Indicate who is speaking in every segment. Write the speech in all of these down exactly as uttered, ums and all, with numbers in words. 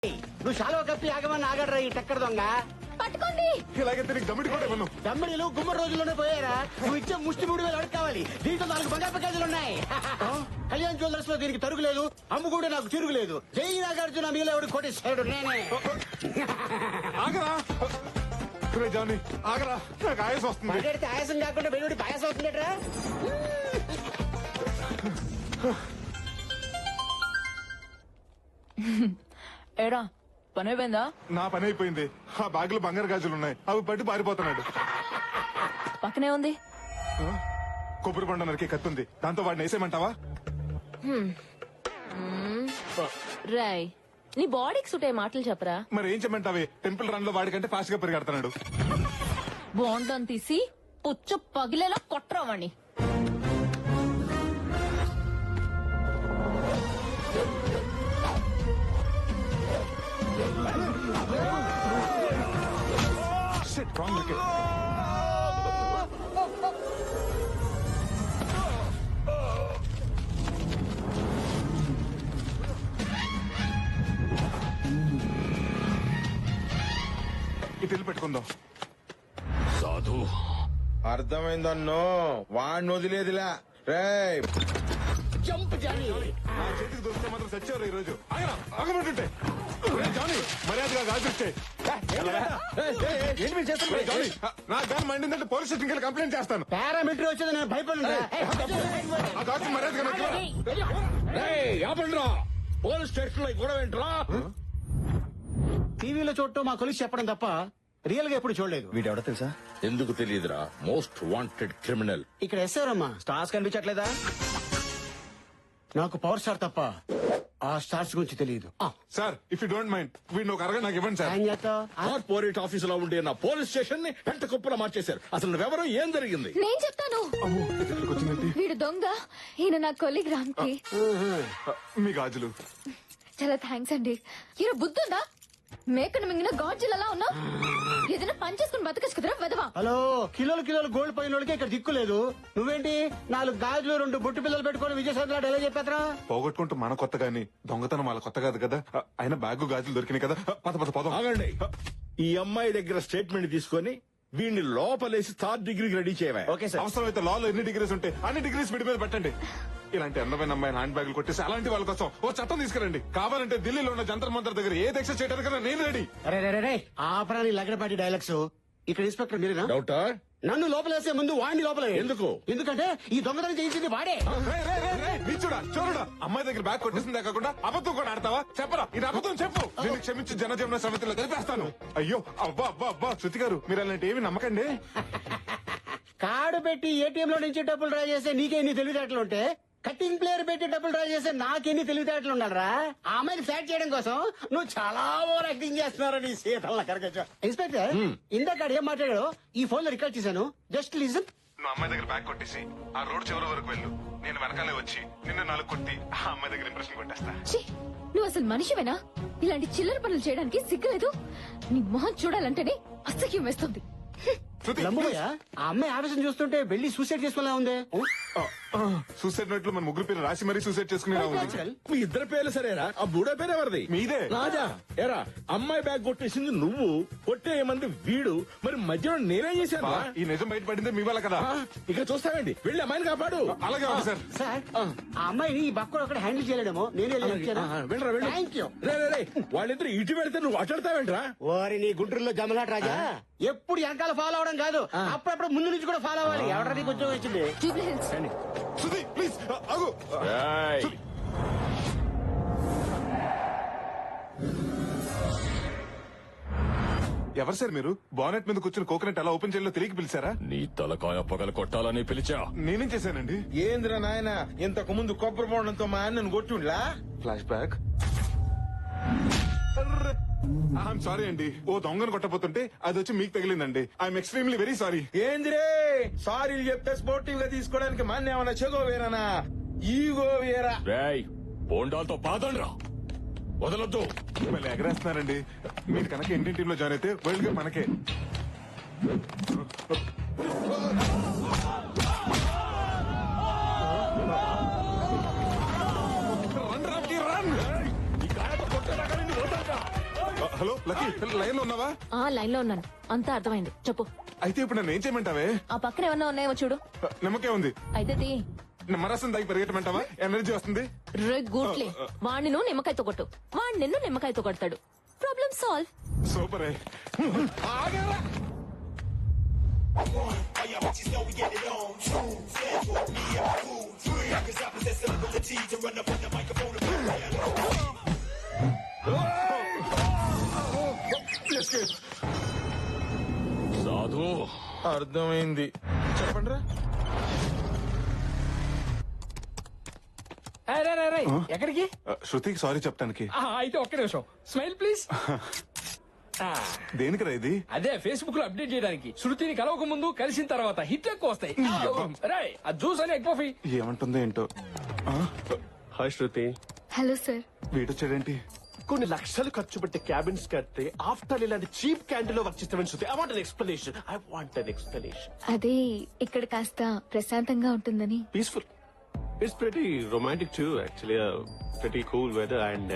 Speaker 1: నువ్వు చాలా కప్పి ఆగమని ఆగడరా ఈ టక్కర దొంగ.
Speaker 2: పట్టుకోండి.
Speaker 3: ఇలాగైతే నీకు దమ్మిడి కూడా ఇవ్వను.
Speaker 1: దమ్మడిలు గుమ్మడి రోజుల్లోనే పోయారా? నువ్వు ఇచ్చే ముష్టి మూడు వేలు అడుగు కావాలి. దీంట్లో నాలుగు బంగారు ప్యాకేజీలు ఉన్నాయి. కళ్యాణ్ జ్యువెలర్స్ లో దీనికి తరుగులేదు, అమ్ము కూడా నాకు తిరుగులేదు. జై నాగార్జున మీలో ఎవడు కోటేశ్వరుడు నేనే.
Speaker 3: ఆగరా రే జానీ, ఆగరా, నాకు ఆయాసం వస్తుంది.
Speaker 1: మాట్లాడితే ఆయాసం కాకుండా వెలువడి పాయాసం అవుతుందట్రా.
Speaker 2: ఏడా పని అయిపోయిందా?
Speaker 3: నా పని అయిపోయింది. ఆ బ్యాగ్ లో బంగారు గాజులు ఉన్నాయి, అవి పట్టి పారిపోతున్నాడు.
Speaker 2: పక్కనే ఉంది.
Speaker 3: కొబ్బరి బండ నరికి కత్తుంది, దాంతో వాడిని వేసేయమంటావా?
Speaker 2: రాయ్, నీ బాడీకి సూట్ అయ్యే మాటలు చెప్పరా.
Speaker 3: మరి ఏం చెప్పమంటావే? టెంపుల్ రన్ లో వాడికంటే ఫాస్ట్ గా పరిగెడుతున్నాడు.
Speaker 2: బాండం తీసి పుచ్చు పగిలేలా కొట్టరావాణ్ణి.
Speaker 3: Shit, wrong wicket. ఇటు వెళ్ళి పెట్టుకుందాం.
Speaker 4: సాధు
Speaker 5: అర్థమైందన్నో, వాడిని వదిలేదిలా. రేయ్
Speaker 1: జంప్ జానీ.
Speaker 3: నా చేతికి దొరికితే మాత్రం చచ్చారు ఈ రోజు. ఆగరా, ఆగమంటుంటే. రే జానీ, మర్యాదగా గాజుస్తే. నా గాని మండిందంటే పోలీస్ స్టేషన్కి వెళ్ళి కంప్లైంట్ చేస్తాను.
Speaker 1: పారామిలిటరీ వచ్చేది నేను భయపడి.
Speaker 3: ఆ గాజు మర్యాదగా నాకు ఇవ్వరా?
Speaker 4: పోలీస్ స్టేషన్ లో గొడవ ఏంట్రా?
Speaker 1: టీవీలో చూడటం మా కొలిసి చెప్పడం తప్ప రియల్ గా ఎప్పుడు చూడలేదు.
Speaker 6: వీడెవడో తెలుసా?
Speaker 4: ఎందుకు తెలియదురా? Most wanted criminal.
Speaker 1: ఇక్కడ ఎస్సారమ్మా
Speaker 6: స్టార్స్ కనిపించట్లేదా?
Speaker 1: నాకు పవర్ స్టార్ తప్ప ఆ స్టార్స్ గురించి తెలియదు.
Speaker 3: Sir, if you don't mind వీడిని ఒక అరగంట నాకు ఇవ్వండి సార్.
Speaker 1: ఏం చేస్తావ్? ఆ?
Speaker 4: కార్పొరేట్ ఆఫీస్ లో ఉండే నా పోలీస్ స్టేషన్ ని పెంట కుప్పలా మార్చేశారు. అసలు నువ్వెవరో, ఏం జరిగింది?
Speaker 2: నేను చెప్తాను.
Speaker 3: అమ్మో, ఇక్కడికి వచ్చిందండి.
Speaker 2: వీడు దొంగ, ఈయన నా కొలిగ్ రామ్ కి.
Speaker 3: మీ గాజులు
Speaker 2: చాలా థ్యాంక్స్ అండి. ఈయన బుద్ధుందా? మేకను మింగిన గాజులలా ఉన్నా ఏదైనా పని చేసుకుని బతకచ్చు కదరా వెదవా.
Speaker 1: హలో, కిలోలు కిలోలు గోల్డ్ పోయిన వాళ్ళకి ఇక్కడ దిక్కు లేదు. నువ్వేంటి నాలుగు గాజులు రెండు బొట్టు పిల్లలు పెట్టుకుని విజయసాయి ఎలా చెప్పేతరా?
Speaker 3: పోగొట్టుకుంటూ మన కొత్త గాని దొంగతనం వాళ్ళ కొత్త కాదు కదా. అయినా బ్యాగ్ గాజులు దొరికినాయి కదా. పద పద పదం.
Speaker 4: ఆగండి. ఈ అమ్మాయి దగ్గర స్టేట్మెంట్ తీసుకొని వీడిని లోపలేసి థర్డ్ డిగ్రీకి రెడీ చేయవా?
Speaker 6: Okay sir.
Speaker 3: అవసరం అయితే లాలో ఎన్ని డిగ్రీస్ ఉంటాయి అన్ని డిగ్రీస్ వీడి మీద పెట్టండి. ఇలాంటి అందమైన అమ్మాయిని హ్యాండ్ బ్యాగులు కొట్టేసి అలాంటి వాళ్ళ కోసం ఓ చట్టం తీసుకురండి. కావాలంటే ఢిల్లీలో ఉన్న జంతర్ మంతర్ దగ్గర ఏ దీక్ష చేయడానికి నేను రెడీ.
Speaker 1: అరే రే రే ఆపరాని లగడపాటి డైలాగ్స్. ఇక్కడ ఇన్స్పెక్టర్ మీరేనా?
Speaker 4: డౌటా?
Speaker 1: నన్ను లోపలేసే ముందు వాడిని లోపల
Speaker 4: ఎందుకు?
Speaker 1: ఎందుకంటే ఈ దొంగతనం చేయించింది వాడే.
Speaker 3: రేయ్, రేయ్, రేయ్, రేయ్, నీచుడా, చోరుడా, అమ్మాయి దగ్గర బ్యాగ్ కొట్టేసిందే కాకుండా అబద్ధం కూడా ఆడతావా? చెప్పరా, ఇది అబద్ధం చెప్పు. నేను క్షమించి జనజీవన సమితిలో కలిపేస్తాను. అయ్యో, అబ్బా అబ్బా అబ్బా, శృతి గారు మీరు అలాంటి ఏమి నమ్మకండి.
Speaker 1: కార్డు పెట్టి ఏటీఎం లో నుంచి డబ్బులు డ్రా చేసే నీకెన్ని తెలివితేటలు ఉంటే కటింగ్ ప్లేయర్ పెట్టి డబ్బులు డ్రా చేసే నాకెన్ని తెలివితేటలు ఉండాలరా? ఆ అమ్మాయిని ఫ్లాట్ చేయడం కోసం నువ్వు చాలా ఓవర్ యాక్టింగ్ చేస్తున్నారా నీ సీతల కరగచ్చు. ఇన్స్పెక్టర్, ఇందాక ఏం మాట్లాడాడో ఈ ఫోన్ లో రికార్డ్ చేశాను. Just listen.
Speaker 3: నువ్వు అమ్మాయి దగ్గర బ్యాగ్ కొట్టేసి ఆ రోడ్ చివరి వరకు వెళ్ళు. నేను వెనకాలే వచ్చి నిన్ను నాలుగు కొట్టి ఆ అమ్మాయి దగ్గర ఇంప్రెషన్ కొట్టేస్తా.
Speaker 2: ఛీ, నువ్వు అసలు మనిషివేనా? ఇలాంటి చిల్లర పనులు చేయడానికి సిగ్గులేదు? నీ మొహం చూడాలంటేనే అసహ్యం వేస్తుంది.
Speaker 3: శృతి,
Speaker 1: లంబోయ, ఆ అమ్మాయి ఆవేశం చూస్తుంటే వెళ్ళి సూసైడ్ చేసుకోలే ఉంది.
Speaker 3: సూసైడ్ నోట్ లో మన ముగ్గురు పేరు రాసి మరీ సూసైడ్ చేసుకునేలా ఉంది.
Speaker 4: మీ ఇద్దరు పేర్లు సరేరా? ఆ బూడో పేరు ఎవరిది?
Speaker 3: మీదే.
Speaker 4: రాజా. ఎరా, అమ్మాయి బ్యాగ్ కొట్టేసింది నువ్వు, కొట్టేయమంది వీడు. మరి మధ్యలో నేనేం చేశాను?
Speaker 3: బా, ఈ నిజం బయటపడిందే మీ వల్ల కదా.
Speaker 4: ఇక చూస్తావేంటి? వెళ్ళి అమ్మాయిని కాపాడు.
Speaker 3: అలాగే ఉంది సార్.
Speaker 1: సార్, ఆ అమ్మాయిని ఈ బక్కడు ఒకటి హ్యాండిల్ చేయలేడేమో నేనే
Speaker 4: వెళ్ళరా వెళ్ళు.
Speaker 1: Thank you.
Speaker 4: రే, రే, రే, వాళ్ళిద్దరు ఇటు వెళితే నువ్వు అట్లాడతావేంట్రా?
Speaker 1: ఓరి నీ గుంటూరులో జమలాట రాజా, ఎప్పుడు వెనకాల ఫాలో అవడం కాదు, అప్పుడప్పుడు ముందు నుంచి కూడా ఫాలో అవ్వాలి. ఎవడ నీకు ఉద్యోగం వచ్చింది?
Speaker 2: Jubilee hills.
Speaker 3: శృతి ప్లీజ్ ఆగు. శృతి. ఎవరు సార్ మీరు? బానెట్ మీద కూర్చుని కోకోనట్ ఎలా ఓపెన్ చేయాలో తెలియక పిలిచారా?
Speaker 4: నీ తలకాయ పగల కొట్టాలని పిలిచా.
Speaker 3: నేనేం చేశానండి?
Speaker 5: ఏంద్రా నాయన, ఇంతకు ముందు కొబ్బరి బోండంతో మా అన్నను కొట్టుండ్లా?
Speaker 3: Flashback. ఐఎమ్ సారీ అండి. ఓ దొంగను కొట్టబోతుంటే అది వచ్చి మీకు తగిలిందండి. I'm extremely very sorry.
Speaker 5: ఏందిరే సారీలు చెప్తే స్పోర్టివ్ గా తీసుకోవడానికి మన ఏమన్నా చెగో వేరానా? ఈగో వేరా?
Speaker 4: రేయ్, బోండాలతో బాధండ్రా, వదలొద్దు.
Speaker 3: మళ్ళీ ఎగరేస్తున్నారండి. మీరు కనుక ఇండియన్ టీమ్ లో జాయిన్ అయితే వరల్డ్ కప్ మనకే.
Speaker 4: రన్ రామ్కి రన్. ఈ గాయతో కొట్టేదాకా నిన్ను వదలరా.
Speaker 3: హలో లక్కీ, లైన్ లో ఉన్నావా?
Speaker 6: ఆ లైన్ లో ఉన్నాను, అంతా అర్థమైంది. చెప్పు.
Speaker 3: అయితే ఇప్పుడు నన్ను ఏం చేయమంటావే?
Speaker 6: ఆ పక్కన ఏమన్నా ఉన్నాయేమో చూడు.
Speaker 3: నిమ్మకే ఉంది.
Speaker 6: అయితే తీ.
Speaker 3: నిమ్మరసం దాగి పరిగెట్టమంటావా? ఎనర్జీ వస్తుంది.
Speaker 6: రే గూట్లే, వాణ్ణి నువ్వు నిమ్మకాయతో కొట్టు, వాణ్ణి నిన్ను నిమ్మకాయతో కొడతాడు. Problem solve.
Speaker 3: సూపర్.
Speaker 4: సాధు
Speaker 5: అర్థమైంది. చెప్పండి రా.
Speaker 7: ఎక్కడికి?
Speaker 3: శృతికి సారీ చెప్పడానికి.
Speaker 7: ఆ, అయితే ఒక్క నిమిషం స్మైల్ ప్లీజ్.
Speaker 3: దేనికిరా ఇది?
Speaker 7: అదే ఫేస్బుక్ లో అప్డేట్ చేయడానికి. శృతిని కలవక ముందు కలిసిన తర్వాత హిట్ ఎక్కువ వస్తాయి. రై ఆ జ్యూస్ అని ఎక్కువ.
Speaker 3: ఏమంటుందో ఏంటో. ఆ,
Speaker 8: హాయ్ శృతి.
Speaker 2: Hello sir.
Speaker 3: వీడొచ్చాడేంటి?
Speaker 8: కొన్ని లక్షలు ఖర్చు పెట్టి క్యాబిన్స్ కడితే ఆఫ్టర్ ఇలాంటి చీప్ క్యాంటీన్ లో వర్క్ చేస్తామని Shruti. I want an explanation. I want an explanation.
Speaker 2: అదే ఇక్కడ కాస్త ప్రశాంతంగా ఉంటుందని.
Speaker 8: Peaceful. It's pretty romantic too actually. Pretty cool weather and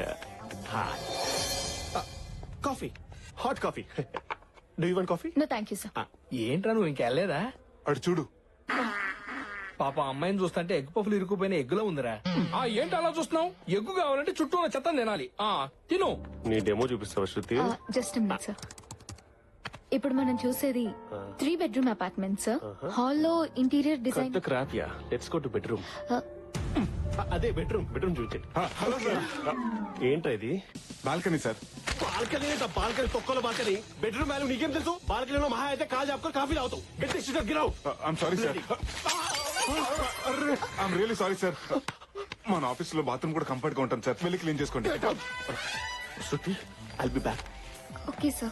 Speaker 8: coffee, hot coffee. Do you want coffee?
Speaker 2: No thank you sir.
Speaker 7: ఏంట్రా నువ్వు ఇంకెళ్ళలేదా?
Speaker 3: అడు చూడు.
Speaker 7: పాప అమ్మాయిని చూస్తుంటే ఎగ్గు పఫ్లు ఇరుక్కుపోయిన ఎగ్గులో ఉందిరా. ఆ ఏంటి అలా చూస్తున్నావు? ఎగ్గు కావాలంటే చుట్టూ ఉన్న చెత్త తినాలి. ఆ తిను.
Speaker 8: నీ డెమో చూపిస్తావా శృతి?
Speaker 2: Just minute sir. ఇప్పుడు మనం చూసేది త్రీ బెడ్రూమ్ అపార్ట్మెంట్ సార్. హాల్లో ఇంటీరియర్ డిజైన్.
Speaker 8: పెద్ద క్రాప్ యా. Let's go to bedroom. అదే బెడ్రూమ్. బెడ్రూమ్ చూపించండి.
Speaker 3: Hello sir.
Speaker 8: ఏంటా ఇది?
Speaker 3: Balcony sir.
Speaker 8: బాల్కనీ బాల్కనీ తొక్కలో బాల్కనీ. బెడ్రూమ్ వాల్యూ నీకేం తెలుసు? బాల్కనీలో మహా అయితే కాల్ చెప్పుకొని కాఫీ తాగుతావు. గెట్ గిరావు.
Speaker 3: I'm sorry sir. I'm really sorry sir. మన ఆఫీస్ లో బాత్రూమ్ కూడా కంఫర్ట్ గా ఉంటాం సార్. వెళ్ళి క్లీన్ చేసుకోండి.
Speaker 8: Shruti, I'll be back.
Speaker 2: Okay sir.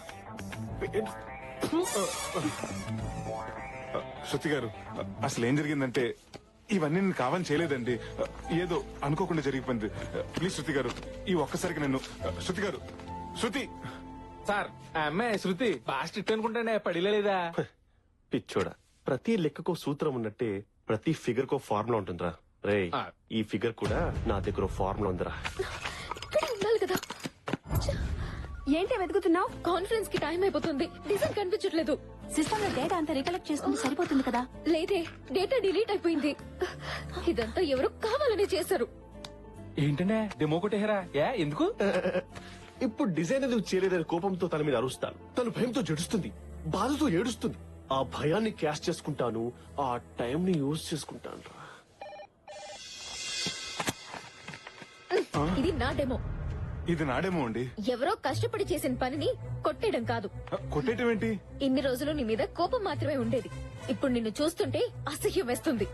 Speaker 3: శృతి గారు, అసలు ఏం జరిగిందంటే ఇవన్నీ నేను కావాలని చేయలేదండి. ఏదో అనుకోకుండా జరిగిపోయింది. ప్లీజ్ శృతి గారు, ఈ ఒక్కసారికి నన్ను. శృతి గారు, శృతి.
Speaker 7: సార్ ఆ అమ్మాయి శృతి బాగా స్ట్రిక్ట్ అనుకుంటానే పడిలేదా?
Speaker 8: పిచ్చోడా, ప్రతి లెక్కకో సూత్రం ఉన్నట్టే ప్రతి ఫిగర్ కో ఫార్ములా ఉంటుందిరా. రే,
Speaker 7: ఆ.
Speaker 8: ఈ ఫిగర్ కూడా నా దగ్గర ఫార్ములా ఉందిరా.
Speaker 2: ఇక్కడ ఉండాలి కదా.
Speaker 6: ఏంటి వెతుకుతున్నావు?
Speaker 2: కాన్ఫరెన్స్ కి టైం అయిపోతుంది. డిజైన్ కనిపించట్లేదు.
Speaker 6: సిస్టమ్ లో డేటా అంతా రికలెక్ట్ చేసుకుంటే సరిపోతుంది కదా.
Speaker 2: లేదే, డేటా డిలీట్ అయిపోయింది. ఇదంతా ఎవరో కావాలని చేశారు.
Speaker 7: ఏంటంటే డెమో కొట్టేహరా? ఏ ఎందుకు?
Speaker 8: ఇప్పుడు డిజైన్ ఎందుకు చేయలేదని కోపంతో తన మీద అరుస్తాను. తను భయంతో జడుస్తుంది, బాధతో ఏడుస్తుంది. ఆ భయాన్ని క్యాష్ చేసుకుంటాను, ఆ టైం ని యూజ్ చేసుకుంటాను రా.
Speaker 2: ఇది నా డెమో.
Speaker 3: ఇది నాడేమో అండి.
Speaker 2: ఎవరో కష్టపడి చేసిన పనిని కొట్టేయడం కాదు.
Speaker 3: కొట్టేయటం ఏంటి?
Speaker 2: ఇన్ని రోజులు నీ మీద కోపం మాత్రమే ఉండేది. ఇప్పుడు నిన్ను చూస్తుంటే అసహ్యం వేస్తుంది.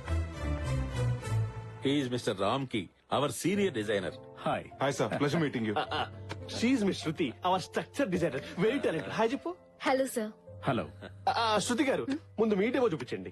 Speaker 9: He's Mister Ramki, our senior designer. Hi.
Speaker 3: Hi sir, pleasure meeting you.
Speaker 8: She's miss Shruti, our structure designer, very talented. Hi చెప్పు.
Speaker 2: Hello sir.
Speaker 9: Hello.
Speaker 8: ఆ, శృతి గారు, ముందు మీటేమో చూపించండి.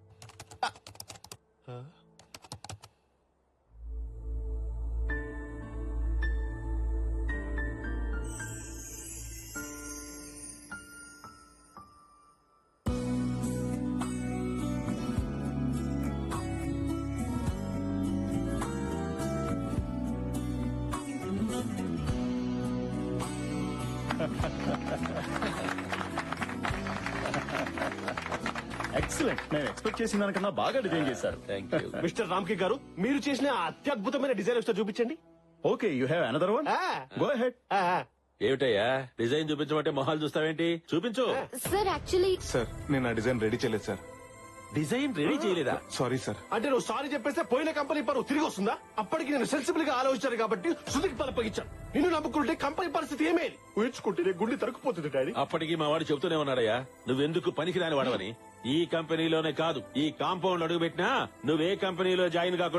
Speaker 9: Excellent. నేను ఎక్స్పెక్ట్ చేసిన దానికన్నా బాగా డిజైన్ చేశారు. Thank you.
Speaker 8: మిస్టర్ రామ్కి గారు, మీరు చేసిన ఆ అత్యద్భుతమైన డిజైన్ ఒకసారి చూపించండి.
Speaker 9: Okay, you have another one?
Speaker 8: ఆ,
Speaker 9: Go ahead.
Speaker 8: ఆ, ఆ.
Speaker 9: ఏమిటయ్యా డిజైన్ చూపించమంటే మొహాలు చూస్తావేంటి? చూపించు.
Speaker 2: సార్ యాక్చువల్లీ
Speaker 3: సార్, నేను ఆ డిజైన్ రెడీ చేయలేదు సార్.
Speaker 9: డిజైన్ రెడీ చేయలేదా?
Speaker 3: Sorry sir.
Speaker 8: అంటే నువ్వు సారీ చెప్పేస్తే పోయిన కంపెనీ పరువు తిరిగి వస్తుందా? అప్పటికి నేను సెన్సిబుల్ గా ఆలోచించాను కాబట్టి శృతికి పలపగించాను. నిన్ను నమ్ముకుంటే కంపెనీ పరిస్థితి ఏమేది? ఊహించుకుంటే గుండె తరుకుపోతుంది డాడీ.
Speaker 9: అప్పటికి మా వాడు చెబుతూనే ఉన్నాడయ్యా, నువ్వెందుకు పనికిరాని వాడవని. ఈ కంపెనీలోనే కాదు, ఈ కాంపౌండ్ అడుగు పెట్టినా నువ్వే కంపెనీలో జాయిన్ కాకుండా